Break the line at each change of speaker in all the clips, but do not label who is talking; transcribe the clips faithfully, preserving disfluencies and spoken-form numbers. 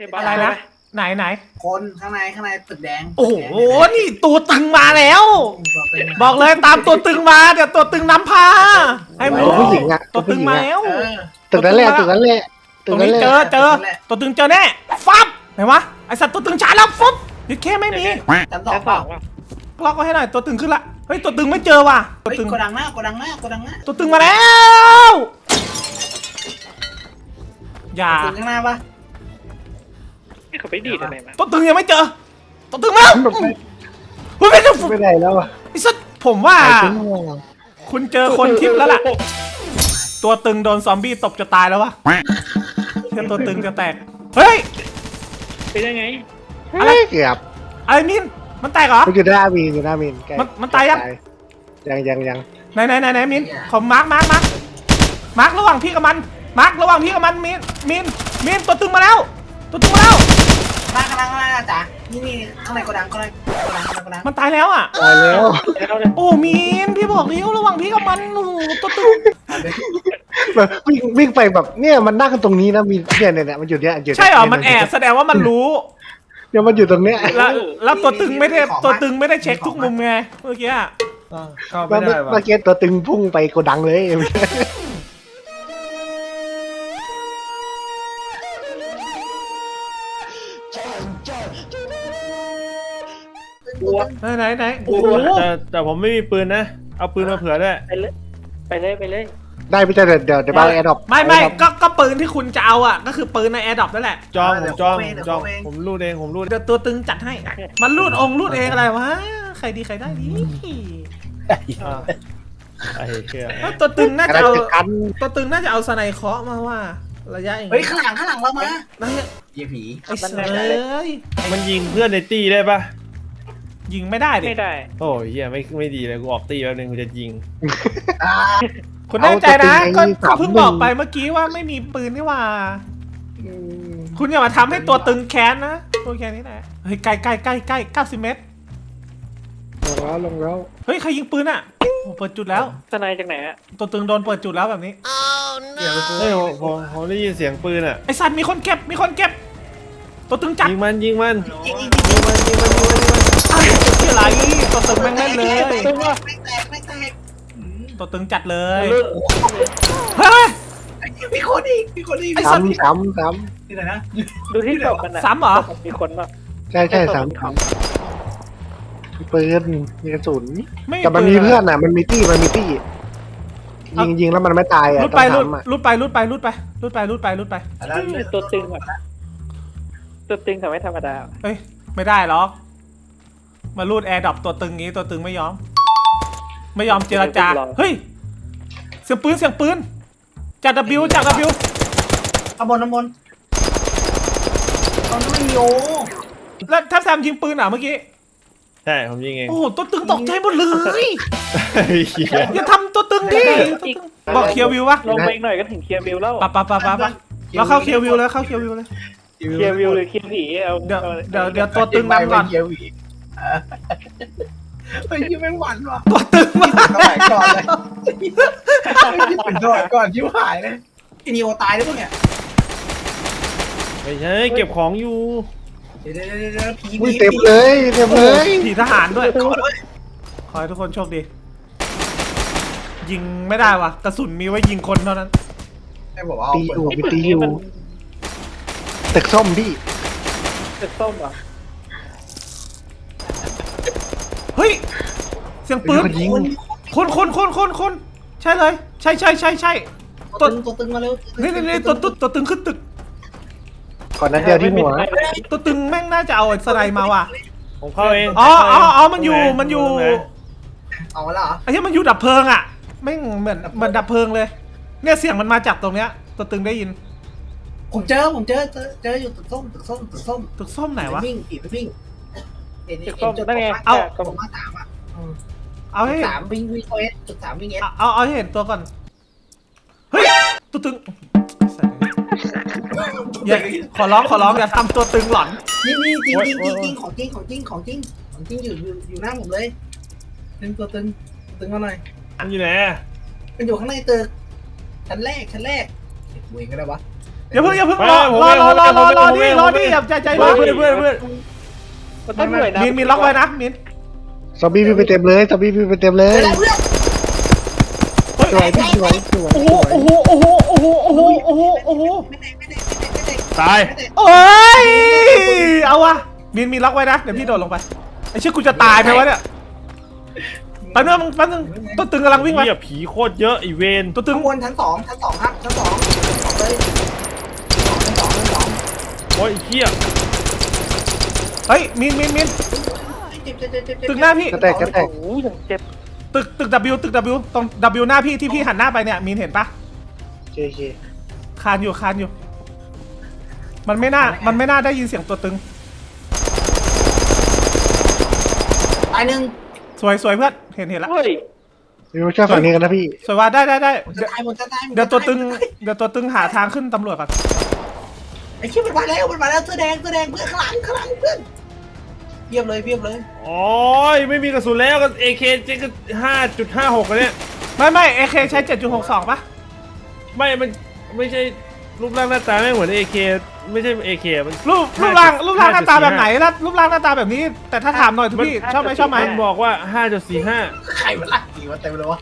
อะไรนะไหนไหน
คนข้างในข้างในตึกแดง
โอ้โหนี่ตัวตึงมาแล้ว บอกเลยตามตัวตึงมาเดี๋ยวตัวตึงนำพาให้มึง
ผู้หญิงอะ
ตัวตึงมาแล้ว
ตึกนั้นแหละตึกนั้นแหละ
ตรงนี้เจอเจอตัวตึงเจอแน่ฟับไหนวะไอสัตว์ตัวตึงช้าแล้วฟับยึดแค่ไม่มี
จำต่อเปล่า
ล็อกไว้ให้หน่อยตัวตึงขึ้นละเฮ้ยตัวตึงไม่เจอว่ะตัว
เฮ้ย
ตึง
กดดังหน้ากดดังหน้ากดดังหน้า
ตัวตึงมาแล้วอย่า
ตึงข้างหน้าปะ
เขาไปดีดอะไรมา
ตัวตึงยังไม่เจอตัวตึงมาแล้วเฮ้ยไม่ได้
ไม่ได้แล้วอะ
ไอ้สัตว์ผมว่า
หายไปแล้วอะ
คุณเจอคนทิพย์แล้วล่ะตัวตึงโดนซอมบี้ตบจะตายแล้ววะเชื่อตัวตึงจะแตกเฮ้ย
เป็นยังไง
อะไร
เกือบ
อะไรมินมันแตกเหรอ
มันอยู่หน้ามีนอยู่หน้ามีนใกล้
มันมันตายยัง
ยังยังยัง
ไหนไหนไหนไหนมินขอมาร์กมาร์กมาร์กมาร์กระหว่างพี่กับมันมาร์กระหว่างพี่กับมันมินมินมินตัวตึงมาแล้ว ตัวตึงมาแล้ว
หน้ากดดังข้างหน้าจ๋านี่นี่ข้างในกดดังกดดังกดดังกดดัง
มันตายแล้วอ่ะ
ตายแล้ว
โอ้มินพี่บอกแล้วระหว่างพี่กับมันโอ้โหตัวตึง
แบบวิ่งวิ่งไปแบบเนี่ยมันนั่งกันตรงนี้นะมีเนี่ยเนี่ยเนี่ยมันอยู่เนี่ยอยู่
ใช่เหรอมันแอบแสดงว่ามันรู้
เดี๋ยวมันอยู่ตรงเนี้ย
แล้วแล้วตัวตึงไม่ได้ตัวตึงไม่ได้เช็คทุกมุมไงเมื่อกี้อะ
เข้า
เมื่
ไม่
อ
ได้ว่ะ
เมื่อกี้ตัวตึงพุ่งไปโกดังเลย
ไหนไหนไหนโอ้โห
แต่แต่ผมไม่มีปืนนะ เอาปืนมาเผื่อด้วย
ไปเลยไปเลยไปเลย
ได้ไม่ใช่เดี๋ยวเดี๋ยวเดี๋ยวเอาแอร์ดรอป
ไม่ไม่ก็ก็ปืนที่คุณจะเอาอ่ะก็คือปืนในแอร์ดรอปนั่นแหละ
จองผมจองผมจองผมรูดเองผมรูด
เดี๋ยวตัวตึงจัดให้ มันรูดองค์รูดเองอะไรวะ ใครดีใครได้ดี
อ่าไอ้เหี้ย
เอ้ยตัวตึงน่า
อะไร
จะเอา
จะกัน
ตัวตึงน่าจะเอาสไนเคราะห์มาว่า ระยะอย่าง
เฮ้ยข้างหลังข้างหลังเรามา
นั่นเนี่ย
เยี่ยผี
ไอ้เสย
มันยิงเพื่อนในตี้ได้ปะ
ยิงไม่ได้ดิ
ไม่ได้
โอ้ยเหี้ยไม่ไม่ดีเลยกูออกตี้แป๊บนึงกูจะยิง
อ่า
คุณแน่ใจนะก็ก็เพิ่งบอกไปเมื่อกี้ว่าไม่มีปืนนี่ว่า คุณอย่ามาทำให้ตัวตึงแค้นนะตัวแค้นนี่แหละเฮ้ยใกล้ใกล้ใกล้ใกล้เก้าสิบเมตร
ลงแล้วลงแล้ว
เฮ้ยใครยิงปืนอ่ะโอ้เปิดจุดแล้ว
สไนจากไหนอะ
ตัวตึงโดนเปิดจุดแล้วแบบนี้
เดี๋ยวกู
เฮ้ยผมผมผมได้ยินเสียงปืนอ่ะ
ไอสัตว์มีคนเก็บมีคนเก็บ ตัวตึงจัด
ยิงมันยิงมัน
ยิงยิงยิง
มันยิงมันยิงมันยิงมัน
ไอ้ที่อะไรตัวตึงแม่งเล่นเลย
ไม่แตกไม่แตกไม่แตก
ตัวตึงจัดเลยเฮ้ย
มีคนอีกมีคนอีก
ไอ้สัตว์
ซ้ำซ้ำซ้
ที่ไหนนะ
ดูที่ศพมันอะ
ซ้ำเหรอ
มีคนป่ะ
ำใช่ใช่ซ้ำซ้ำมีปืนมีกระสุน
ไม่
แต่มันมีเพื่อนอ่ะมันมีตี้มันมีตี้ยิงยิงแล้วมันไม่ตายอ่ะ
ลุด
ต้
ไป
อง
ลุด
ทำอ่ะ
ลุดไปลุดไปลุดไปลุดไปลุดไปลุดไป
แล้ว
ตัวตึงแบบตัวตึงทำไม่ธรรมดา
เอ้ยไม่ได้หรอกมาลูดแอร์ดรอปตัวตึงงี้ตัวตึงไม่ยอม ไม่ยอมเจรจาเฮ้ยเสียงปืนเสียงปืนจาก W จาก W
ข้างบนข้างบนตอนนั้นไม่มีโอ
แล้วถ้าแซมยิงปืนอ่ะเมื่อกี้
ใช่ผมยิงเอง
โอ้โหตัวตึงตกใจหมดเลย
ไอ้เหี้ย
อย่าทำตัวตึงดิบอกเคลียร์วิววะ
ลงไปอีกหน่อยก็ถึงเคลียร์วิวแล้ว
ปะปะปะปะปะเราเข้าเคลียร์วิวเลยเข้าเคลียร์วิวเลย
เคลียร์วิวหรือเคลียร์ผีเอา
เดี๋ยวเดี๋ยวเดี๋ยวตัวตึงนำก่อน
เยี่ยผีเฮ้ยยี่แม่งหวานว่ะ
ตัวตึงมา
สมัยก่อนเลยเป็นสมัยก่อนชิวหายเลยไอ้นิโอตายแล้วพวกเนี่ย
ไม่ใช่เก็บของอยู่
เดี๋ยวเดี๋ยวเดี๋ยวเดี๋ยวผี
อุ้ย
ผี
เต็มเลยเต็มเลย
ผีทหารด้วย ขอให้ทุกคนโชคดี ยิงไม่ได้วะกระสุนมีไว้ยิงคนเท่านั้น
ไอ้บอกว่า
ตีอยู่มีตีอยู่ตึกส้มพี่
ตึกส้มเหรอ
เฮ้ย เสียงปืน
ยิง
คนคนคนคนคนใช่เลย ใช่ใช่ใช่ใช่
ตัวตึงตัวตึงมาเร็ว
นี่นี่นี่ตัวตัวตัวตึงขึ้นตึก
ก่อนนั้นเดียวที่หัว
ตัวตึงแม่งน่าจะเอาสไนมาว่ะ
ผมเข้าเอง
อ๋ออ๋ออ๋อมันอยู่มันอยู่
เอาแล้วเหรอ
ไอ้ที่มันอยู่ดับเพลิงอ่ะแม่งเหมือนเหมือนดับเพลิงเลย เนี่ยเสียงมันมาจากตรงเนี้ย ตัวตึงได้ยิน
ผมเจอผมเจอเจอเจออยู่ตึกส้มตึกส้มตึกส้ม
ตึกส้มไหนวะ
วิ่งผีไปวิ่งเอ็น
ตึกส้มนั่นไง
เอา
ตรง
ผมมาสามอ่ะ
เอาให้
สามวิ่งวิ่งเอสจุดสามวิ่งเอส
เอาเอาเอาให้เห็นตัวก่อน เฮ้ย ตัวตึงอย่าขอร้องขอร้องอย่าทำตัวตึงหลอน
นี่นี่จริงจริงจริงจริงของจริงของจริงของจริงของจริงอยู่อยู่อยู่หน้าผมเลยตึงตัวตึงตึงมาหน่อย
มันอยู่ไหน
มันอยู่ข้างในตึกชั้นแรกชั้นแรกเวงก็ได้วะ
อย่าเพิ่งอย่าเพิ่ง
ไป
รอ
ผม
รอ
เอง
รอรอรอรอ
ผม
ดิ
เอง
รอ
ผมเอง
ดิอย่าใจใจ
เพื่
ร้
อ
อน น
เพื่อนเพื่อนเพื่อน
มันต้องเหนื่อยนะ
มินมินล็อกไว้นะมิน
ซอมบี้พี่งไปเต็มเลยซอมบี้พี่งไปเต็มเล
เฮ้
ย
ยเพื่อน
สวยพี่สวยสวย
โอ้โหโอ้โหโอ้โหโอ้โหโอ้โหโอ้โหโอ้โห
ไม่ได้ไม่ได้ไม่ได้ไม่ได้
ตาย
ไม่ได้
โอ้ยเอาวะมินมินล็อกไว้นะเดี๋ยวพี่โดดลงไปไอ้เชื่อกูจะตายไหมวะเนี่ยแป๊บนึงแป๊บนึงตัวตึงกำลังวิ่งไป
เหี้ยผีโคตรเยอะไอีเวน
ตัวตึง
ข้างบนชั้นสองชั้นสองครับชั้นสองสองเลยชั้นสองชั้นสอง
โอ้ยไอ้เหี้ย
เฮ้ยมินมินมิน
เจ็บเจ็บเจ็บเจ็บ
ตึกหน้าพี่
กระแตกกระแตก
โอ้ยอย่างเจ็บ
ตึกตึก W ตึก W ตรง W หน้าพี่ที่พี่หันหน้าไปเนี่ยมินเห็นปะ
เคเค
คานอยู่คานอยู่ มันไม่น่ามันไม่น่าได้ยินเสียงตัวตึง
ตายหนึ่ง
สวยสวยเพื่อนเห็นเห็นแล้ว
เฮ้ย
พี่มาช่วยฝั่งนี้กันนะพี่
สวยว่าได้ได้ได้
ผม
เดี๋
จะ
ยว
ตายผมจะตาย
เดี๋ยวตัวตึงเดี๋ยวตัวตึงหาทางขึ้นตำรวจก่อน
ไอ้เชี่ยมันมาแล้วมันมาแล้วเสื้อแดงเสื้อแดงเพื่อนข้างหลังข้างหลังเพื่อนเพียบเลยเพียบเลย
โอ้ยไม่มีกระสุนแล้วก็ เอ เค เจ๊ก็ห้าจุดห้าหกเลยเนี่ย
ไม่ไม่ เอ เค ใช้ เจ็ดจุดหกสอง ป่ะ
ไม่มันไม่ใช่รูปร่างหน้าตาไม่เหมือน เอ เค ไม่ใช่ เอ เค มัน
รูปรูปร่างรูปร่างหน้าตาแบบไหนแล้วรูปร่างหน้าตาแบบนี้ แต่ถ้าถามหน่อยทุกพี่ชอบไหมชอบไหม
มันบอกว่า ห้าจุดสี่ห้า
ใครมันลักกี่วะเต็มเลยวะ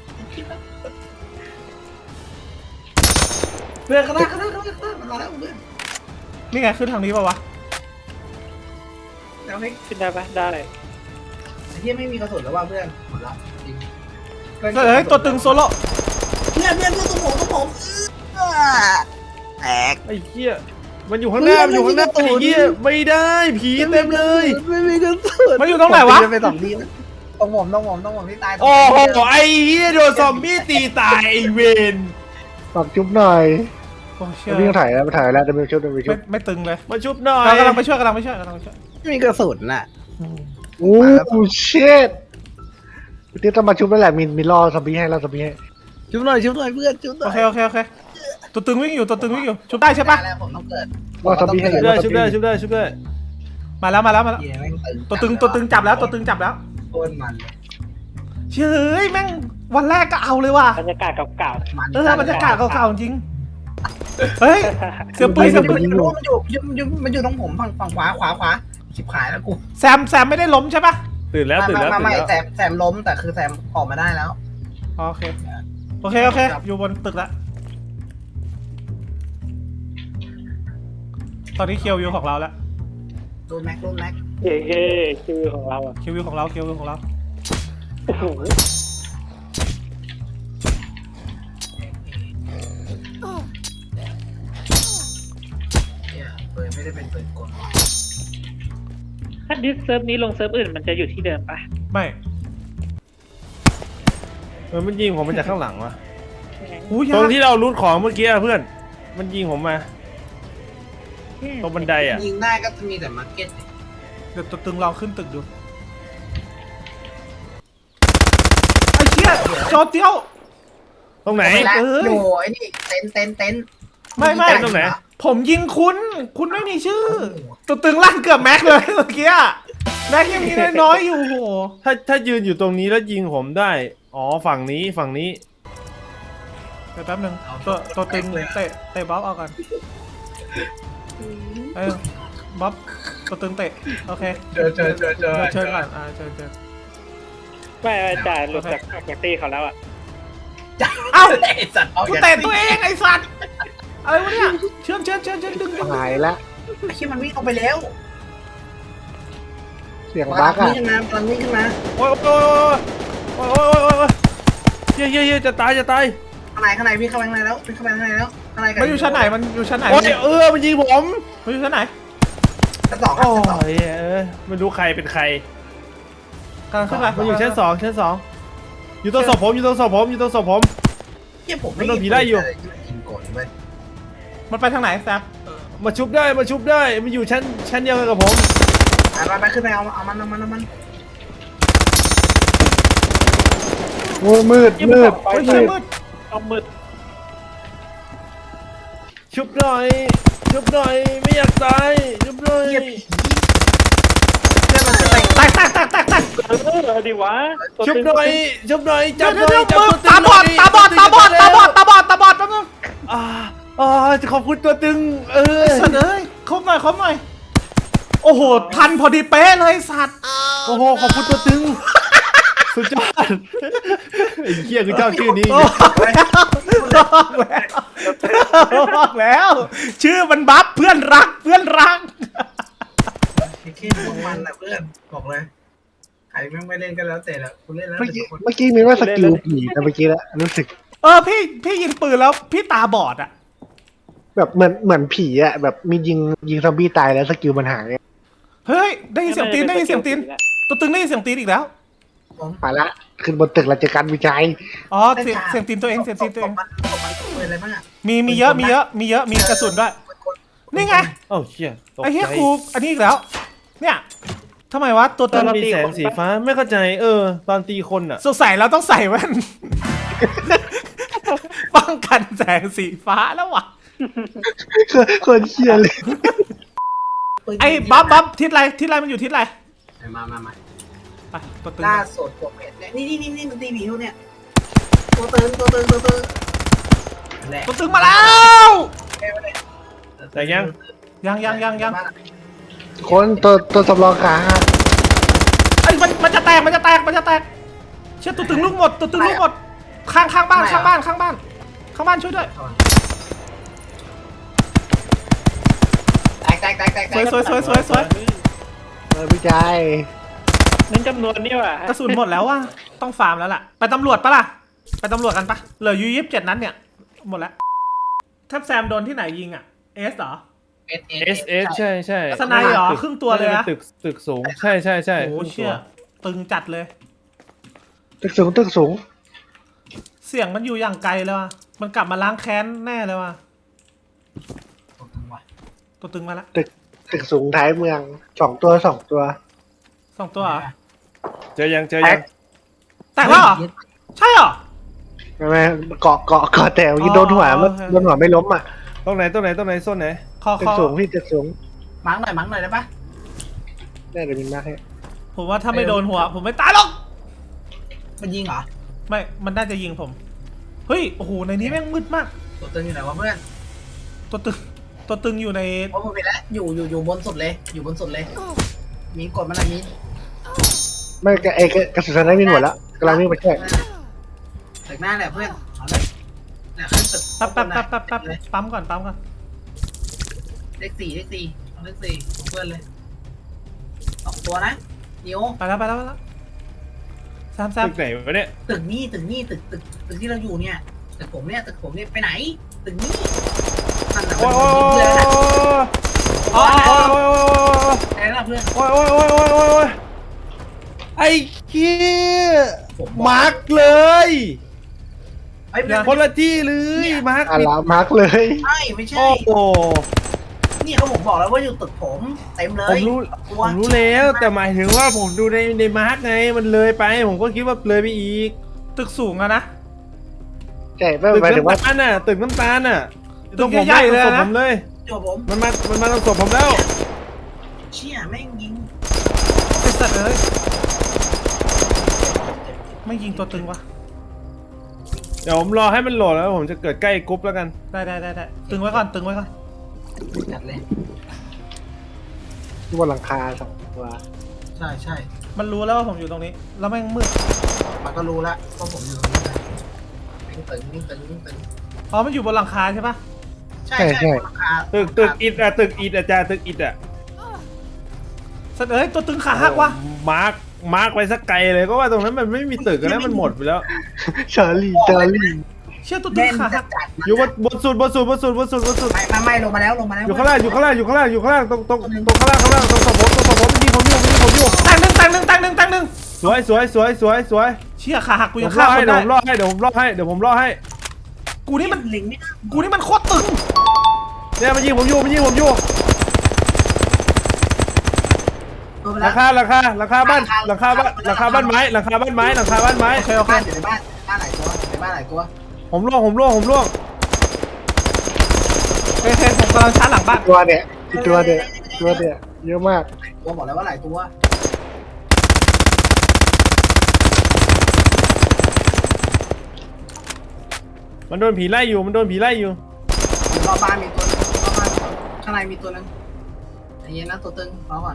เพื่อนข้างหน้าข้างหน้าข้างหน้าข้างหน้ามันมาแล้วเพื่อน
นี่ไงขึ้นทางนี้ป่าวะ
เดี๋ยวให้
ขึ้นได้ปะได้
ไอ้เหี้ยไม่มีกระสุนแล้วว่ะเพื่อนหมดละจริง
เฮ้ยตัวตึงโซโล่
เพื่อนเพื่อนเพื่อนตัวผมตัวผมเออแตก
ไอ้เหี้ยมันอยู่ข้างหน้ามันอยู่ข้างหน้า
ไม่
ไอ้
มีกระสุน
เหี้ยไม่ได้ผีเต็มเลย
ไม่มีกระสุน
มันอยู่ตรงไหนวะ
ผมจะไปสองทีนะต้องผมต้องผมต้องผมที่ตาย
โอ้โหไอ้เหี้ยโดนซอมบี้ตีตายไอ้เวน
ฝากจุ๊บหน่อย
โอ้เชื่อ
พี่ต้องถ่ายแล้วไปถ่ายแล้วเดี๋ยวไปชุบเดี๋ยวไปชุ
ไม่
บ
ไม่ตึงเลย
มาชุบหน่อย
เรากำลังไปช่วยกำลังไปช่วยกำลังไปช่วย
ไม่มีกระสุนน่ะ
โอ้เชิดพี่เตี้ยต้องมาชุบแล้วแหละมินมินรอซอมบี้ให้รอซอมบี้ให้
ชุบหน่อยชุบหน่อยเพื่อนชุบหน่
โอ
อย
เคโอเคโอเคตัวตึงวิ่งอยู่ตัวตึงวิ่งอยู่ชุบได้ใช่ปะ
แล้วผมต้องเกิด
รอซอมบี้ให้
ชุบได้ชุบได้ชุบได้ชุบได้
มาแล้วมาแล้วมาแล้ว
เหี้ยแม่ง
ตัวตึงตัวตึงจับแล้วตัวตึงจับแล้ว
โคตรมันเลย
เชื่อเฮ้ยแม่งวันแรกก็เอาเลยว่ะ
บรรยากาศเก่า
มัน
เออบรรยากาศเก่าๆจริงเฮ้ยเสือปืนเสือปืน
มันอยู่มันอยู่มันอยู่มันอยู่ตรงผมฝั่งฝั่งขวาขวาขวาชิบหายแล้วกู
แซมแซมไม่ได้ล้มใช่ปะ
ตื่นแล้วตื่นแล้ว
มา
ตื่น
ไม่
แล้ว
แซมแซมล้มแต่คือแซมออกมาได้แล้ว
โอเคโอเคโอเคอยู่บนตึกแล้วตอนนี้เคียววิวของเราแล้ว
โดนแม็กโดนแม็ก
ๆเฮ้เฮ้ชื่อของเราอ่ะ
เคียววิวของเราเคียววิวของเรา
โอ้โห
เนี่ยเปิดไม่ได้เป็นเปิดกด
ถ้าดิสเซิร์ฟนี้ลงเซิร์ฟอื่นมันจะอยู่ที่เดิมปะ
ไม่
เออมันยิงผมมาจากข้างหลังวะ
หูย
ตรง
ยาก
ที่เรารูดของเมื่อกี้อะเพื่อน มันยิงผมมาตรงบันไดอ่ะ
ยิงได้ก็จะมีแต่มาร์เก็ต
เดี๋ยวตัวตึงลองขึ้นตึกดูไอ้เชี่ยจอเตี้ยว
ตรงไหน
ไม่ละ
เอ้ย
อยู่ไอ้นี่เต็นเต็นเต็น
ไม่ไม่
ตรงไหน
ผมยิงคุณ คุณไม่มีชื่อ ตัวตึงลั่นเกือบแม็กเลยเมื่อกี้อะแม็กยังมีน้อยๆอยู่โห
ถ้าถ้ายืนอยู่ตรงนี้แล้วยิงผมได้ อ๋อฝั่งนี้ฝั่งนี้
เดี๋ยวแป๊บนึงตัวตัวตึงเตะเตะบ๊อบเอาก่อนเออบ๊อบตัวตึงเตะโอเค
เจอเจอเจอเจอ
เชิญก่อนอ่าเชิญเชิญ
ไม่ไม่จ่ายหลุดจากออกจากตีเขาแล้วอ่ะ
เอ้า
ไอ้สัตว์เอา
กูเตะตัวเองไอ้สัตว์อะไรวะเนี่ยเชิญเชิญเชิญเชิญดึงดึง
หายละ
ไอ้เชี่ยมันวิ่งออกไปแล้ว
เสียง
กำ
บั
ลั
ก
ง
อ่ะ
วิ่งขึ้นมากำลังวิ่งขึ้นมา
โอ้ยโอ้ยโอ้ยโอ้ยโอ้ยโอ้ยโอ้ยเย้ยเย้ยเย้ยจะตายจะตาย
ข้างในข้างในวิ่งเข้าไปข้างในแล้ววิ่งเข้าไปข้างในแล้วข้างใน
มันอยู่ชั้นไหนมันอยู่ชั้นไหน
โอ้ยเออมันยิงผม
มันอยู่ชั้นไหน
ชั้นสองครับ
โอ้
ชั้นสอง
ยเออไม่รู้ใครเป็นใคร
กำลังขึ้นไป
มันอยู่ชั้นสองชั้นสองอยู่ตรงศพผมอยู่ตรงศพผมอยู่ตรงศพผม
เชี่ยผม
มันโดนผีไล่อยู่
ยิงกดเว้ย
มันไปทางไหนแซม
มาชุบได้มาชุบได้มันอยู่ชั้นชั้นเดียวกันกับผม
ไปไปขึ้นไปเอาเอามันเอามันเอามัน
โอ้มืดมืด
เฮ้ย
มื
เชี่ย
ด
มืด
เอามืด
ชุบหน่อยชุบหน่อยไม่อยากตายชุบหน่อย
เชี่ยผีเชี่ยมันขึ้นไป
แตกแตกแตกแตกแตก
เออดีวะตัว
ชุบ
ตึง
หน่อยชุบหน่อย
เดี๋
จั
ย
บ
ว
หน่
เดี๋
อย
ยว
จั
มือ
ตัวตึง
ตาบอด
หน่ย
ตาบอดตาบอดตาบอดตาบอดตาบอดแป๊บนึง
อ่าอ๋อจะขอบคุณตัวตึง เออ
สัตว์เอ้ยครบหน่อยครบหน่อยโอ้โหพันพอดีเป๊ะเลยสัตว์
โอ้โหขอบคุณตัวตึง สุดยอดไอ้เหี้ยคือเจ้าชื่อนี้
บอกแล้วบอกแล้วบอกแล้ว ชื่อมันบัฟเพื่อนรักเพื่อนรัก
ไอ้แค่พวกมันนะเพื่อนบอกเลยใครแม่งไม่เล่นก็แล้วแต่ละคุณเล่นแล้ว
เมื่อ
แต่
กี้
คน
เมื่อกี้มีว่าสกิลผีแต่เมื่อกี้แล้วรู้สึก
เออพี่พี่ยิงปืนแล้วพี่ตาบอดอ่ะ
แบบเหมือนเหมือนผีอะแบบมียิงยิงซอมบี้ตายแล้วสกิลมันหาย
เฮ้ยได้ยินเสียงตีนได้ยินเสียงตีนตัวตึงได้ยินเสียงตีนอีกแล้ว
ไปละขึ้นบนตึกเราเจอกันวิจัย
อ๋อเสียงเสียงตีนตัวเองเสียงตีนตัวเอง
มันมันปืนอะไรบ้างอะ
มีมีเยอะมีเยอะมีเยอะมีกระสุนด้วย นี่ไง
โอ้เหี้ยตก
ไอ้เฮีย
ใจ
กูอันนี้อีกแล้ว เนี่ยทำไมวะตัว
ต
ตึ
อน
ง
มีแสงสีฟ้าไม่เข้าใจ เออ ตอนตีคนอ่ะ
สงสัยเราต้องใส่แว่น ป้องกันแสงสีฟ้าแล้ววะ
คนเชียเลย
ปืน
ไอ้บ๊อบบ๊อบทิศอะไรทิศอะไรมันอยู่ทิศอะไร
มามามา
ไปตัวตึง
ล่าสุดตัวเป็ดเนี่ยนี่นี่นี่นี่มันตีหมีอยู่เนี่ยตัวตึงตัวตึงตัวตึงแหละ
ตัวตึงมาแล้ว
แต่ยัง
ยังยังยังยัง
คนตัวตัวสำรองขา
ไอ้ยมันมันจะแตกมันจะแตกมันจะแตกเชื่อตัวตึงลูกหมดตัวตึงลูกหมดข้างข้างบ้านข้างบ้านข้างบ้านข้างบ้านช่วยด้วย
แตกแตกแตกแตก
สวยสวยสวยสวยสวย
เออวิจัย
นั่นจำนวนนี่ว่ะ
กระสุนหมดแล้วว่ะต้องฟาร์มแล้วล่ะไปตำรวจปะล่ะไปตำรวจกันปะเหลืออยู่ยี่สิบเจ็ดนั้นเนี่ยหมดแล้วถ้าแซมโดนที่ไหนยิงอ่ะเอสเหรอ
เอส
เอสเอสใช่ใช่
สไนด์เหรอครึ่งตัวเลยนะ
ตึกตึกสูง ใช่ใช่ใช่
โอ้
ครึ่ง
เชี่ย
ตัว
ตึงจัดเลย
ตึกสูงตึกสูง
เสียงมันอยู่อย่างไกลเลยว่ะมันกลับมาล้างแค้นแน่เลยว่ะตัวตึงมาละ
ตึกตึกสูงท้ายเมืองสองตัวสองตัว
สองตัวเหรอ
เจอยังเจอยัง
แตกแล้วเหรอใช่เหรอ
ไม่ไม่เกาะเกาะเกาะแต่ยิงโดนหัว
อ๋อ
มัน
โอเค
โดนหัวไม่ล้มอ่ะ
ตรงไหนตรงไหนตรงไหนโซนไหน
คอ
ตึ
ค
ก
อ
สูงพี่ตึกสูง
มั้งหน่อยมั้งหน่อยได้ปะ
ได้เดี๋ยวมินมาให้
ผมว่าถ้าไม่โดนหัว ผมไม่ตายหรอก
มันยิงเหรอ
ไม่มันน่าจะยิงผมเฮ้ยโอ้โหในนี้แม่งมืดมาก
ตัวตึงอยู่ไหนวะเพื่อน
ตัวตึงตัวตึงอยู่ใน
โอ้ผมไปแล้วอยู่อยู่อยู่บนสุดเลย อยู่บนสุดเลย มีกดมันอะไรมี
ไม่กระเอกกระสุนนั้นมินหมดแล้วกำลังวิ่งไปช่วย
ตึกหน้าแหละเพื่อนเอาเลยเนี่ยขึ้นตึก
แป๊บแป๊บแป๊บแป๊บแป๊บปั๊มก่อนปั๊มก่อน
เลขสี่เลขสี่เอาเลขสี่ของเพื่อนเลยสองตัวนะนิว
ไปแล้วไปแล้วไปแล้วแซมแซม
ตึกไหนวะเนี่ย
ตึกนี่ตึกนี่ตึกตึกตึกที่เราอยู่เนี่ยตึกผมเนี่ยตึกผมเนี่ยไปไหน ตึกนี้นั่นน่ะ
โอ้ย
เพื่อนนะ
อ๋ออ๋อ
โอ้ยโอ้ย
ไหนล่ะเพื่อน
โอ้ยโอ้ยโอ้ยโอ้ยโอ้ยโอ้ยไอ้เหี้ย
ผมบอก
มาร์กเลย
เฮ้ยเพื่อน
คนละที่เลยมาร์ก
อ่ะ
ผิด
ลามาร์กเลย
ใช่ไม่ใช่
โอ้โห
นี่เขาผมบอกแล้วว่าอยู่ตึกผมเต็มเล
ผ
ย
มรู้
ตั
ผ
ว
มรู้แล้วแต่หมายถึงว่าผมดูในในมาร์กไงมันเลยไป ผมก็คิดว่าเลยไปอีก
ตึกสูงอะนะ
ใช่ไม่
ตึก
หมายถึงว่า
น้ำตาลน่ะตึกน้ำตาลน่ะ
ตึกใหญ่ๆเลย
ตรง
นะ
ผมเลย
ตัวผม
มันมามันมาตรงศพผมแล้ว
เชี่ยแม่งยิง
ไอ้สัตว์เอ้ยไม่ยิงตัวตึงวะ
เดี๋ยวผมรอให้มันโหลดแล้วผมจะเกิดใกล้กรุ๊ปแล้วกัน
ได้ได้ได้ได้ตึงไว้ก่อนตึงไว้ก่อน
จัดเลย
ที่บนหลังคาสองตัว
ใช่ใช่
มันรู้แล้วว่าผมอยู่ตรงนี้ แล้วแม่งมืด
มันก็รู้แล้วว่าผมอยู่ตรงนี้นะวิ่งตึงวิ่งตึงวิ่งตึง
อ๋อมันอยู่บนหลังคาใช่ปะ
ใช่ใช่บนหลังคา
ตึกตึกอิดอะตึกอิดอะจ้าตึกอิดอะ
สัตว์เอ้ยตัวตึงขาหักวะ
มาร์กมาร์กไปสักไกลเลยก็ว่าตรงนั้นมันไม่มีตึกแล้วมันหมดไปแล้ว
ชาลีชาลี
เชื่อตัวตึ
แม่
ง
น
ขา
จั
หั
ด
ก
จัด
อยู่บนบนสุดบนสุดบนสุดบนสุดบนสุด
ไม่ไม่ไม่ลงมาแล้วลงมาแล้ว
อยู่ข้างล่างอยู่ข้างล่างอยู่ข้างล่างอยู่ข้างล่างตรงตรงตรงข้างล่างข้างล่างตรงศพผมตรงศพผมมันยิงผมอยู่มันยิงผมอยู่
แตงหนึ่งแตงหนึ่งแตงหนึ่งแตงหนึ่ง
สวยสวยสวยสวยสวย
เชี่ยขาหักกู
ผ
ยัง
มร
ฆ่า
อ
ค
ให้
น
เดี๋ยว
ได้
ผมรอให้เดี๋ยวผมรอให้เดี๋ยวผมรอให้
กูนี่มัน
ลิงไม่ได้
กูนี่มันโคตรตึง
เนี่ยมันยิงผมอยู่มันยิงผมอยู่
ลงมาแล้
ราว คาราคาราคาบ้านราคาบ้านราคาบ้านไม้ราคาบ้านไม้ราคาบ้านไม้
โอเคโอเค
บ้านอยู่ในบ้านบ้านหลายตัวในบ้านหลายตัว
ผมล่วงผมล่วงผมล่วง
โอเคผมกำลังชาร์จหลังบ้าน
ตัวเนี่ยอีกตัวเนี่ยตัวเนี่ยเยอะมาก
ตัวบอกแล้วว่าหลายตัว
มันโดนผีไล่อยู่มันโดนผีไล่อยู่
รอบบ้านมีตัวนึงรอบบ้านมีตัวนึงข้างในมีตัวนึงใจเย็นนะตัวตึงรอก่อน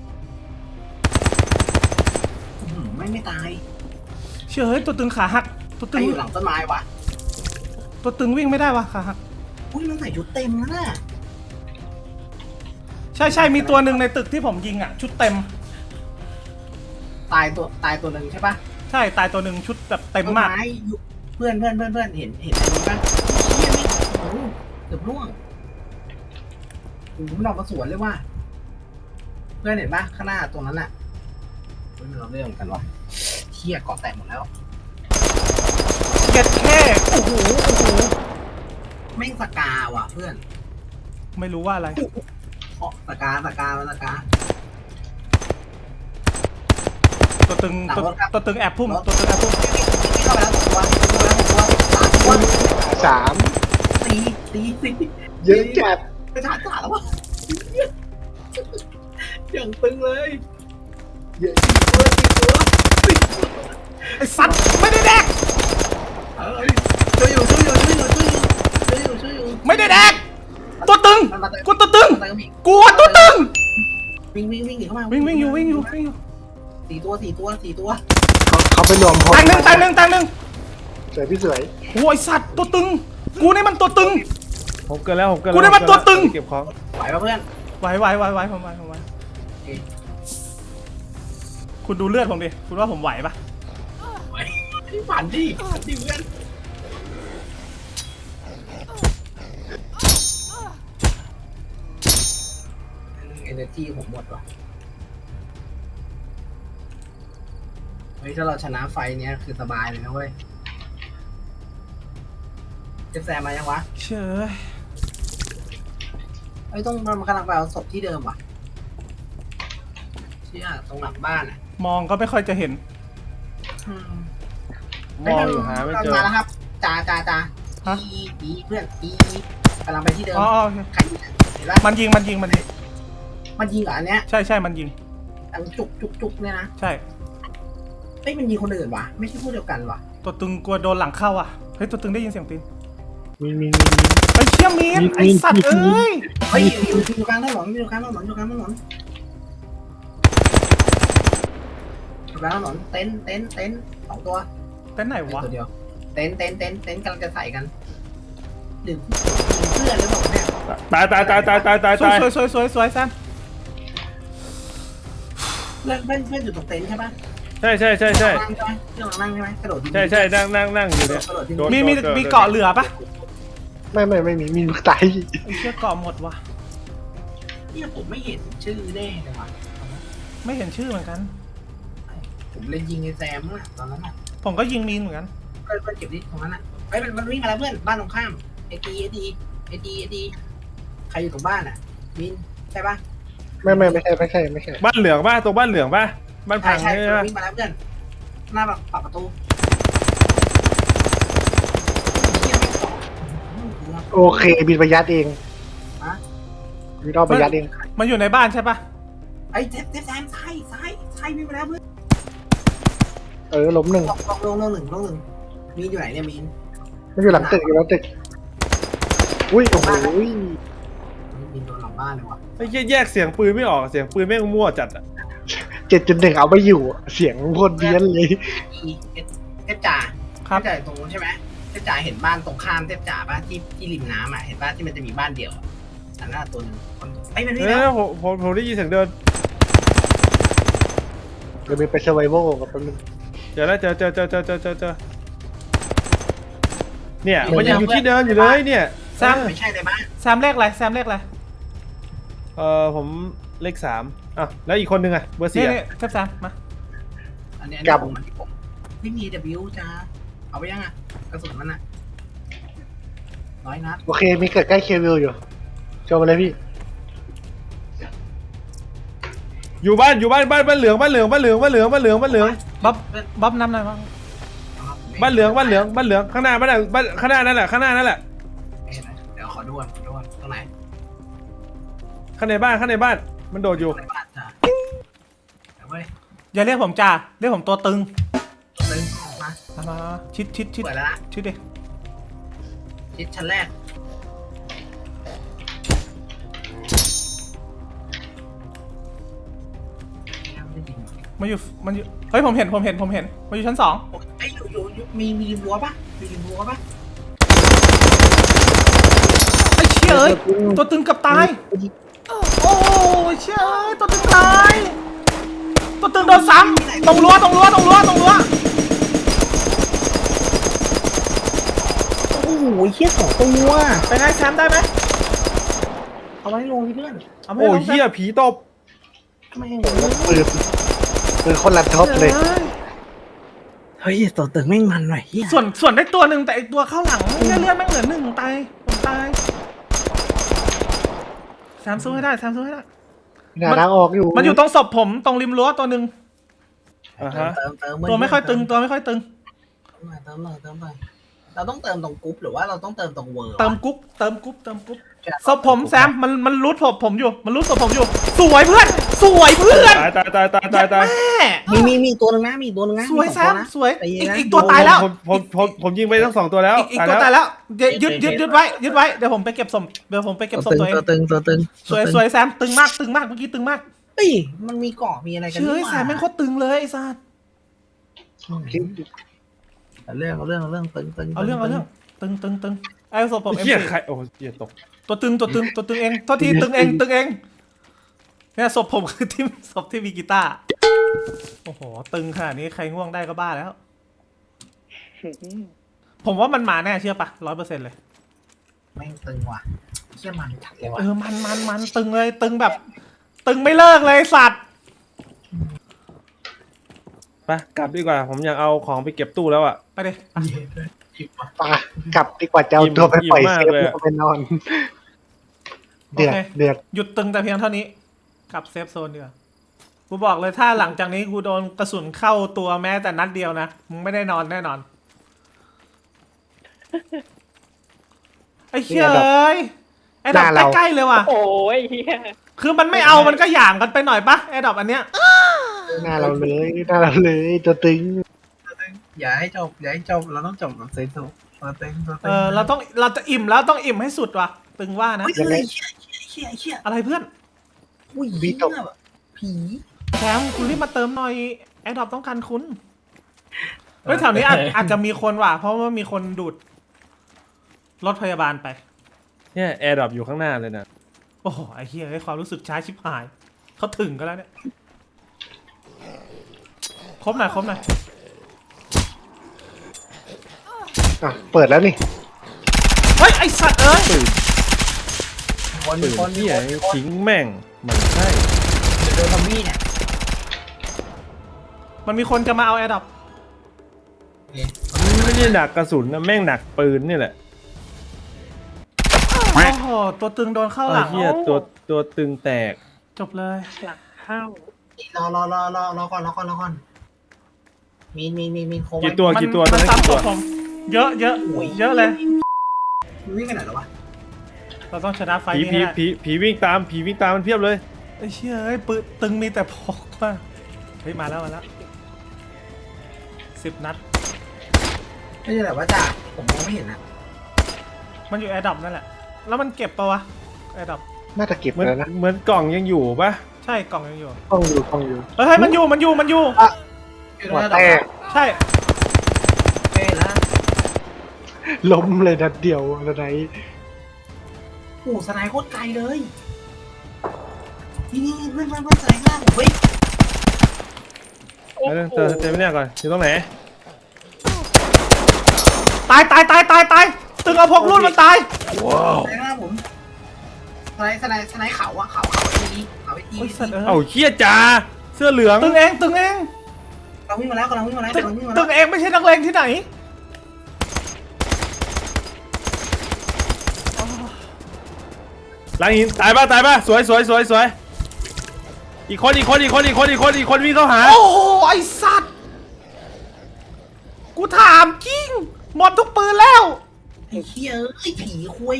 อื้อหือไม่ไม่ตาย
เชื่อเฮ้ยตัวตึงขาหักตัว
ใค
ตึ
รง อยู่หลังต้นไม้วะ
ตัวตึงวิ่งไม่ได้วะขาหัก
อุ้ยมันใส่ชุดเต็มแล้วน่ะ
ใช่ใช่มีตัวหนึ่งในตึกที่ผมยิงอ่ะชุดเต็ม
ตายตัวตายตัวหนึ่งใช่ปะ
ใช่ตายตัวหนึ่งชุดแบบเต็ม
ต้น
มาก
ไม้อยู่เพื่อนเพื่อนเพื่อนเพื่อนเห็นเห็นอะไรบ้างเฮียไม่โอ้โหเกือบร่วงโอ้โหมันออกมาสวนเลยว่ะเพื่อนเห็นปะข้างหน้าตรงนั้นน่ะเฮ้ยมันเราเรื่องกันวะเฮียเกาะแตกหมดแล้ว
เก็ดแค่โอ้โหโอ้โห
แม่งสกาว่ะเพื่อน
ไม่รู้ว่าอะไร
เพราะสกาสกามันสกา
ตัวตึง
หลัง
ตัว
รถครับ
ตัวตึงแอบพุ่มตัวตึงแอบพุ่ม
วิ่งเข้าไปแล้วสองตัววิ่งเข้าไปแล้วสองตัวสามตัว
สาม
ตีตีตี
เยอะจัด
ไปชาร์จจ่าแล้ววะอย่างตึงเลย
เยอะ
ตัวสี่ตัวสี่ตัว
ไอ้สัตว์ไม่ได้แดก
เออช่วยอยู่ช่วยอยู่ช่วยอยู่ช่วยอยู่ช่วยอยู่ช่วยอยู่
ไม่ได้แดกตัวตึง
มันมาเติม
กูตัวตึง
มันมาเติมอีก
กูตัวตึง
วิ่งวิ่งวิ่งหนีเข้ามา
วิ่งวิ่งอยู่วิ่งอยู่วิ่งอยู่
สี่ตัวสี่ตัวสี่ตัว
เขาเขาไปรวมพล
ตายหนึ่งตายหนึ่งตายหนึ่ง
สวยพี่สวย
โอ้ยสัตว์ตัวตึง กูนี่มันตัวตึง
ผมเกินแล้วผมเกิน
กูได้มาตัวตึง
เก็บของ
ไหวป่ะเพื่อน
ไหวไหวไหวไหวผมไหวผมไหว
โอเค
คุณดูเลือดผมดิคุณว่าผมไหวปะ
ไหวผ่านดิผ่านดิเพื่อนเอเนอร์จีผมหมดว่ะเฮ้ยถ้าเราชนะไฟเนี้ยคือสบายเลยนะเว้ยเจฟแซมมายังวะ
เชย
เฮ้ยต้องมันกำลังไปเอาศพที่เดิมว่ะเชี่ยตรงหลังบ้านอ่ะ
มองก็ไม่ค่อยจะเห็น
อืม
มองอยู่หาไม่เจอ
มาแล้วครับจ่าจ่าจ่า
ฮะ
อีอีเพื่อนอีกำลังไปที่เดิม
อ๋ออ๋อโอเค
ใครยิงอะเห็นปะ
มันยิงมันยิงมันยิง
มันยิงเหรออันเนี้ย
ใช่ใช่มันยิง
อันจุกจุกจุกเนี่ยนะ
ใช่
เฮ้ยมันยิงคนอื่นวะไม่ใช่พวกเดียวกันวะ
ตัวตึงกลัวโดนหลังเข้าอ่ะเฮ้ยตัวตึงได้ยินเสียงตีน
มีมีมีมี
ไอ้เชี่ยมีน
มี
ไอ้สัตว์
มี
เอ้ย
เฮ้ยอยู่อยู่อยู่กลางถนนอยู่กลางถนนอยู่กลางถนนอยู่กลางถนนเต็นท์เต็นท์เต็นท์สองตัว
เต้นไหนวะ
ตัวเดียวเต็นท์เต็นท์เต็นท์เต็นท์กำลังจะใส่กันหรือเพื่อนหรือเปล่าเนี่ย
ตายตายตายตายตายตาย
สวย
ตาย
สวยสวยสวยสวยแซม
เพื่อนเพื่อนเพื่อนอยู่ตรงเต็นท์ใช่ปะ
ใช่ใช่ใช่ใช่
นั่งใช่ไหมเพื่อนกำลังนั่งใช่ไหมกระโดดยิง
ใช่ใช่นั่งนั่งนั่งอยู่เนี่ย
กระโดดยิง
โดน
มีมี
โดน
มีเกาะเหลือปะ
ไม่ไม่ไม่มีมีลูกไต
ไอ้เชี่ยเกาะหมดว่ะ
เนี่ยผมไม่เห็นชื่อแน่เลยว่ะ
ไม่เห็นชื่อเหมือนกัน
ผมเลยยิงไอ้แซมอะตอนนั้นอะ
ผมก็ยิงมีนเหมือนกัน
เพื่อนเพื่อนเก็บดิตรงนั้นอะเฮ้ยมันมันวิ่งมาแล้วเพื่อนบ้านตรงข้ามไอดีไอดีไอดีไอดีใครอยู่ตรงบ้านอะมินใช่ปะ
ไม่ไม่ไม่ใช่ไม่ใช่ไม่ใช่
บ้านเหลืองป่ะตรงบ้านเหลืองป่ะบ้าน
ใช่
พัง
ใช่
ใช่
เพื่
ไห
อน
ม
วิ่งมาแล้วเพื่อนหน้าแบบปรับประตูเหี้ยไม่ตอบอื้อหือ
โอเคบินไปยัดเอง
ฮะ
บินเอาไปยัดเอง
มันอยู่ในบ้านใช่ปะ
ไอ้เทปเทปแซมซ้ายซ้ายซ้ายวิ่งมาแล้วเพื่อน
เออล้มหนึ่ง
ลงลงลงลงหนึ่งลงหนึ่งมีนอยู่ไหนเนี่ยมีน
มันอยู่หลังตึกอยู่หลังตึกอุ้ยโอ้โห
มีนโดนหลังบ้านเลยว่ะ
ไอ้เหี้ยแยกเสียงปืนไม่ออกเสียงปืนแม่งมั่วจัดอะ
เจ็ดจุดหนึ่งเอาไม่อยู่เสียงโคตรเบี้ยนเลย
อีเอสเทปจ่า
ครับ
เทปจ่าอยู่ตรงนู้นใช่ไหมเทปจ่าเห็นบ้านตรงข้ามเทปจ่าป่ะที่ที่ริมน้ำอ่ะเห็นป่ะที่มันจะมีบ้านเดียวอะอันนั้นอะตัวหนึงคนไอ้ยมัน
เอ
นี่แล้ว
อผมผมผมได้ยินเสียงเดิน
เดี๋ยวบินไปเซอร์ไวโวกับแป๊บนึง
เจอแล้วเจอเจอเจอเจอเจอเจอเจอเนี่ยมันยังอยู่ที่เดิมอยู่เลยเนี่ย
แซม
ไม่ใช่ในบ้าน
แซมเลขอะไรแซมเลขอะไร
เออผมเลขสามอ่ะแล้วอีกคนนึงอะเบอร์สี่
นี่
อะ
นี่เทปแซมมา
อันนี้อันนี้ผมอันนี้ผมไม่มี W จ้าเอาไปยังอ่ะกระสุนมันอ่ะร้อยนัด
โอเคมีเกิดใกล้เควิลอยู่โชว์มาเลยพี่
อยู่บ้านอยู่บ้านบ้านบ้านเหลืองบ้านเหลืองบ้านเหลืองบ้านเหลืองบ้านเหลืองบ้านเหลือง
บ๊อบบ๊อบน้ำหน่อยบ้าง
บ้านเหลืองบ้านเหลืองบ้านเหลืองข้างหน้าบ้านน่ะบ้านข้างหน้านั่นแหละข้างหน้านั่นแหละ
เดี๋ยวขอดูก่อนขอดูก่อนตรงไหน
ข้างในบ้านข้างในบ้านมันโดดอยู่
ในบ้านจ้าเดี๋ยวเว้ย
อย่าเรียกผมจ่าเรียกผมตัวตึง
ตัวนึงมา
มามามาชิดชิดชิด
เปิดแล้วนะ
ชิดดิ
ชิดชั้นแรก
มันอยู่มันอยู่เฮ้ยผมเห็นผมเห็นผมเห็นมันอยู่ชั้นสอง
ไอ้ยอยู่อยู่อยู่มีมีริมรั้วปะมีริมรั้วปะ
ไอ้เชี่ยเอ้ยตัวตึงกับตายโอ้ยเชี่ยเอ้ยตัวตึงตายตัวตึงโดนซ้ำตรงรั้วตรงรั้วตรงรั้วตรงรั้ว
โอ้โหเฮียสองตัว
เป็นไงแซมได้ไหม
เอาไว้ลงที่เพื่อน
เอาไม่
โอ้
ล
ย
งแซม
เฮียผีตบ
ทำไม
ปืนปืนคนละท็อปเลย
เฮ้ยตัวตึงแม่งมันหน่อยเฮีย
ส่วนส่วนได้ตัวหนึ่งแต่ไอตัวเข้าหลังเลือดเลือดแม่งเหลือหนึ่งตายผมตายแซมสู้ให้ได้แซมสู้ให้ได้
หน้าทางออกอยู่
มันอยู่ตรงศพผมตรงริมรั้วตัวหนึ่ง
อ่าฮะ
เติมเติม
ตัวไม่ค่อยตึงตัวไม่ค่อยตึง
เติมหน่อยเติมหน่อยเราต้องเติมตรงกรุ๊ปหรือว่าเราต้องเติมตรงเวอร์
เติมกุ๊บเติมกุ๊บเติมกุ๊บศพผมแซมมันมันรูดศพผมอยู่มันรูดศพผมอยู่ สวยเพื่อนสวยเพื่อน
ตายตายตายตายตายตาย
แม่
มีมีมีตัวหนึงนะมีตัวหนึงนะ
สวย
มี
แซ
อง
ม
นะ
สวย
ใจเย็
อี
น
ก
นะ
อีกตัวตายแล้ว
ผมผมผมผมยิงไปทั้งสองตัวแล้ว
อีกอีกตัวตายแล้วเดี๋ยวยึดยึดยึดไว้ยึดไว้เดี๋ยวผมไปเก็บศพเดี๋ยวผมไปเก็บศพตัวเอง
ตัวตึงตัวตึง
สวยสวยแซมตึงมากตึงมากเมื่อกี้ตึงมาก
เฮ้ยมันมีเกาะมีอะไรกัน
เชื่อ
นี่หว่า
แซมแม่งโคตรตึงเลยไอ้สัส
เอาเรื่องเอาเรื่องเอาเรื่องตึงตึง
เอาเรื่องเอาเรื่องตึงตึงตึงไอ้ศพผมเอ็ม
เฮีย
ซี
ใครโอ้เฮียตก
ตัวตึงตัวตึงตัวตึงเองโทษทีตึงเองตึงเองเนี่ยศพผมคือที่ศพที่มีกีตาร์โอ้โหตึงขนาดนี้ใครง่วงได้ก็บ้าแล้ว ผมว่ามันมาแน่เชื่อปะร้อยเปอร์เซ็นต์เลย
แม่งตึงว่ะเชี่ยมันจัดเลยว่ะ
เออมันมันมันตึงเลยตึงแบบ ตึงไม่เลิกเลยสัตว์
ไปกลับดีกว่า ผมอยากเอาของไปเก็บตู้แล้วอ่ะ
ไปดิ
ปะกลับดีกว่าจะเอาตัวไปปล่อย
อิ่มมาก
เซฟ
เลย
แล้วก็ไปนอน เดือดเดือด
หยุดตึงแต่เพียงเท่านี้กลับเซฟโซนดีกว่ากูบอกเลยถ้าหลังจากนี้กูโดนกระสุนเข้าตัวแม้แต่นัดเดียวนะมึงไม่ได้นอนแน่นอนไอ้เชี่ยเอ้ยไอ้ดอกใกล้ๆเลยว่ะ
โอ้ยเฮีย
คือมันไม่เอามันก็หยามกันไปหน่อยปะไอ้ดอกอันเนี้ย
หน้าเราเลยหน้าเราเลยตัวตึง
อย่าให้จบอย่าให้จบเราต้องจบแบบเซฟโซตัวตึงตัวตึ
เอง อเราต้องเราจะอิ่มแล้วต้องอิ่มให้สุดว่ะตึงว่านะ
เฮ้ยเฮ้ยเชี่ยเชี่ยเชี่ย
อะไรเพื่อน
อุ้ยเหี้ยแบบผี
แชมป์คุณรีบมาเติมหน่อยไอ้ดอกต้องการคุณเฮ้ยแถวนี้อาจอาจจะมีคนว่ะเพราะว่ามีคนดูดรถพยาบาลไป
เนี่ยแอร์ดรอปอยู่ข้างหน้าเลยนะ
โอ้โหไอ้เหี้ยไอ้ความรู้สึกช้าชิบหายเขาถึงกันแล้วเนี่ยครบหน่อยครบหน่อย
อ่ะเปิดแล้วนี่
เฮ้ยไอ้สัตว์เอ้ย
ตื่น
คน
ตื่น
คน
เฮียทิ้งแม่งมันใช่
เดินซอมบี้เนี่ย
มันมีคนจะมาเอาแอร์ดับ
มันไม่ได้หนักกระสุนนะแม่งหนักปืนนี่แหละ
โอ้โหตัวตึงโดนเข้าหลัง
เฮียตัวตัวตึงแตก
จบเลย
หลังเข้าร
อรอรอรอรอก่อนรอก่อนรอก่อนมีมีมีมีโค
กี่ตัว
มัน
กี่ตัว
มัน
ตอนนั้น
ซ้ำ
กี่
ตั
ตัว ว
ผมเยอะเยอะเยอะเลย
วิ่งกันไหนแล้ววะ
เราต้องชนะไฟ
ผี
นี้
ผี
ให้ได้
ผีผีวิ่งตามผีวิ่งตามมันเพียบเลย
ไอ้เชี่ยเอ้ยปืนตึงมีแต่พกมาเฮ้ยมาแล้วมาแล้วสิบนัด
ไม่ใช่แบบว่าจ่าผมมองไม่เห็นนะ
มันอยู่แอร์ดับนั่นแหละแล้วมันเก็บปะวะแอร์ดับ
น่าจะเก็บ
เหมือน
แล้วนะ
เหมือนกล่องยังอยู่ปะ
ใช่กล่องยังอยู่
กล้องอยู่กล้องอยู่
เฮ้ยเฮ้ยมันอยู่มันอยู่มันอยู่
หัวแตก
ใช่
เอ้ยนะ
ล้มเลยนัดเดียวอะไร
โอ้สไนโคตรไกลเลยนี่นี่เพื่อนเพื่อนเพื่อนสไนข้างล่างเฮ้ย
เดี๋ยวเจอเจอเนี่ยก่อนอยู่ตรงไหน
ตายตายตายตายตายตึงเอาพกรุ่นมันตาย
สไนข้างล่างผมสไนสไนสไนเขาอะเขาเขาไอ้ทีเขาไอ้ที
โอ้ยสัตว์เอ้
เอ้าย เฮียจ่าเสื้อเหลือง
ตึงเองตึงเอง
เราวิ่งมาแล้วกำลังวิ่งมาแล้ว
ตึง
กำลังวิ่งมา
ตึ
แล้ว
งเองไม่ใช่นักเลงที่ไหน
หลังหินตายป่ะตายป่ะสวยสวยสวยสวยอีกคนอีกคนอีกคนอีกคนอีกคนอีกคนวิ่งเข้าหา
โอ้โหไอสัตว์กูถามจริงหมดทุกปืนแล้ว
ไอ้เหี้ยเอ้ยผีคุย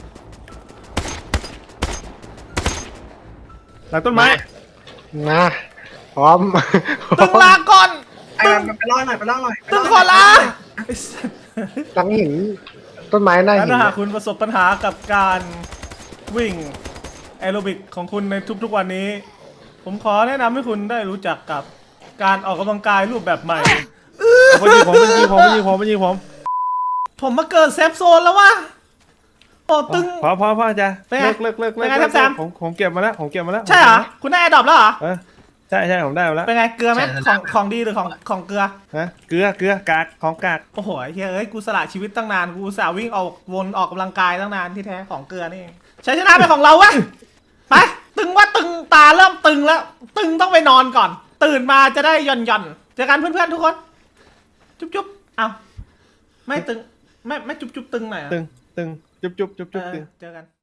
หลังต้นไม้
นะพร้อม
ตึงลาก่อน
ไอ้
ตึง
มันไปล่อหน่อยไปล่อหน่อย
ตึงขอลาไอ้สัตว์
หลังหินต้นไม้หน้าหิน
ถ้าหากคุณประสบปัญหากับการวิ่งแอโรบิกของคุณในทุกๆวันนี้ ผมขอแนะนำให้คุณได้รู้จักกับการออกกำลังกายรูปแบบใหม่
มันยิงผมมันยิงผมมันยิงผมมันยิงผม
ผมมาเกิดเซฟโซนแล้ววะโอ้ตึง
พอพอพอจ้ะ
เป็นไง
เลิกเลิกเลิก
เป็นไง
เลิ
ครับ
ก
แซม
ผมผมเก็บมาแล้วผมเก็บมาแล้ว
ใช่เหรอ คุณได้แอร์ดรอปแล้วเหรอ
เออใช่ใช่ผมได้มาแล้ว
เป็นไงเกลือไหมของของดีหรือของของเกลือ
ฮะเกลือเกลือกากของกาก
โอ้โหไอ้เฮ้ยเอ้ยกูสละชีวิตตั้งนานกูอุตสาห์วิ่งออกวนออกกำลังกายตั้งนานที่แท้ของเกลือนี่เองชัยชนะเป็นของเราวะไปตึงว่าตึงตาเริ่มตึงแล้ว ตึงต้องไปนอนก่อน ตื่นมาจะได้หย่อนหย่อนเจอกันเพื่อนๆทุกคน จุ๊บจุ๊บเอาไม่ตึงไม่ไม่จุ๊บจุ๊บตึงหน่อยเหรอ
ตึงตึงจุ๊บจุ๊บจุ๊บ
เอ
จุ๊บ
อ
ตึง
เจอกัน